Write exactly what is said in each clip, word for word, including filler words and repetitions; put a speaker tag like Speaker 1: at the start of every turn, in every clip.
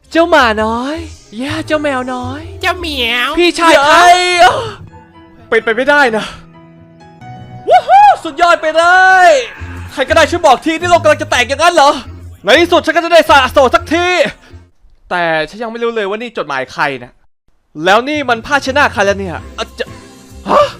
Speaker 1: เจ้าหมาน้อยย่าเจ้าแมวน้อย
Speaker 2: เจ้าเหมียว
Speaker 1: พี่ชายครับเป็นไปไม่ได้นะว้าวสุดยอดไปเลยใครก็ได้ช่วยบอกทีนี่โลกกำลังจะแตกอย่างนั้นเหรอในที่สุดฉันก็จะได้สละโสดสักทีแต่ฉันยังไม่รู้เลยว่านี่จดหมายใครนะแล้วนี่มันผ้าเช็ดหน้าใครแล้วเนี่ยอะจะฮะ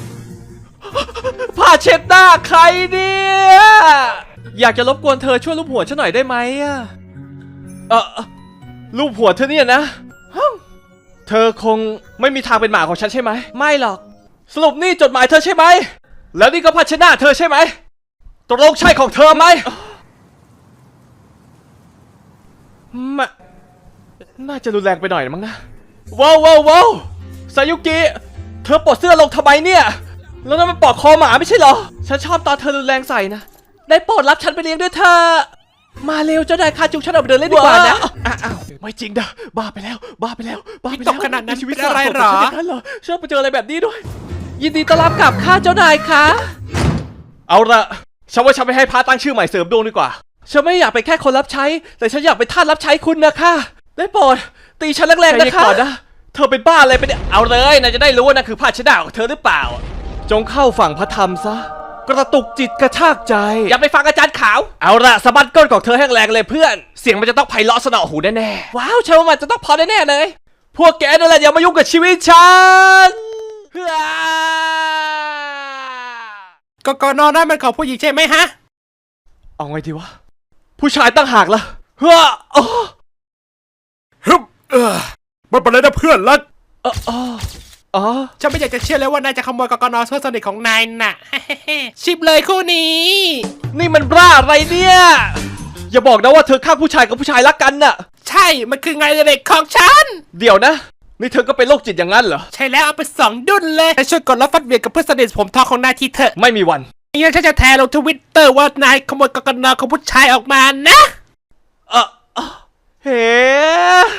Speaker 1: ผ้าเช็ดหน้าใครเนี่ยอยากจะรบกวนเธอช่วยลูบหัวฉันหน่อยได้ไหมอะเออลูบหัวเธอเนี่ยนะเธอคงไม่มีทางเป็นหมาของฉันใช่ไหมไม่หรอกสรุปนี่จดหมายเธอใช่ไหมแล้วนี่ก็ผ้าเช็ดหน้าเธอใช่ไหมตกลงใช่ของเธอไหมมะน่าจะรุนแรงไปหน่อยมั้งนะว้าวว้าวว้าวซายุกิเธอปลดเสื้อลงทำไมเนี่ยแล้วนั่นมันปลอกคอหมาไม่ใช่เหรอฉันชอบตอนเธอรุนแรงใส่นะได้โปรดรับฉันไปเลี้ยงด้วยเธอมาเร็วเจ้านายคาจุกฉันออกไปเดินเล่นดีกว่านะอ้าวไม่จริงนะบ้าไปแล้วบ้าไปแล้วบ้าไปแล้ว
Speaker 2: ตกขนาดนั้นเป็นอะไรหรอ
Speaker 1: ชอบไปเจออะไรแบบนี้ด้วยยินดีต้อนรับกลับข้าเจ้านายคะเอาละฉันว่าฉันไปให้พระตั้งชื่อใหม่เสริมดวงดีกว่าฉันไม่อยากเป็นแค่คนรับใช้แต่ฉันอยากเป็นทาสรับใช้คุณนะคะได้โปรดตีฉันแรงๆนะคะนะเธอเป็นบ้าอะไรไปเนี่ยเอาเลยนายจะได้รู้ว่านั่นคือผ้าเช็ดหน้าของเธอหรือเปล่าจงเข้าฝั่งพระธรรมซะกระตุกจิตกระชากใจอย่าไปฟังอาจารย์ขาวเอาละสะบัดก้นของเธอแห้งแรงเลยเพื่อนเสียงมันจะต้องไพเราะสนอหูแน่ๆว้าวเชื่อว่ามันจะต้องพอแน่ๆเลยพวกแกนั่นแหละอย่ามายุ่งกับชีวิตฉัน
Speaker 2: กกนนั่นมันของผู้หญิงใช่ไหมฮะ
Speaker 1: เอาไงดีวะผู้ชายตั้งหากล่ะเฮ้ออ๋อ
Speaker 3: ฮึบเออมันเป็นอะไรนะเพื่อนรัก
Speaker 1: อ๋ออ๋อ
Speaker 2: ฉันไม่อยากจะเชื่อเลยว่านายจะขโมยกกนเพื่อนสนิทของนายน่ะ ชิบเลยคู่นี้
Speaker 1: นี่มันบ้าอะไรเนี่ยอย่าบอกนะว่าเธอฆ่าผู้ชายกับผู้ชายรักกันน่ะ
Speaker 2: ใช่มันคืองานเด็กของฉัน
Speaker 1: เดี๋ยวนะนี่เธอก็เป็นโรคจิตอย่างนั้นเหรอ
Speaker 2: ใช่แล้วเอาไปสองดุนเลยแต่ช่วยกดรับฟัดเวียนกับเพื่อนสนิทผมทองของนายทีเถอะ
Speaker 1: ไม่มีวัน
Speaker 2: งั้นฉันจะแทนลงทวิตเตอร์ว่านายขโมยกกนของผู้ชายออกมานะ
Speaker 1: เออเฮ้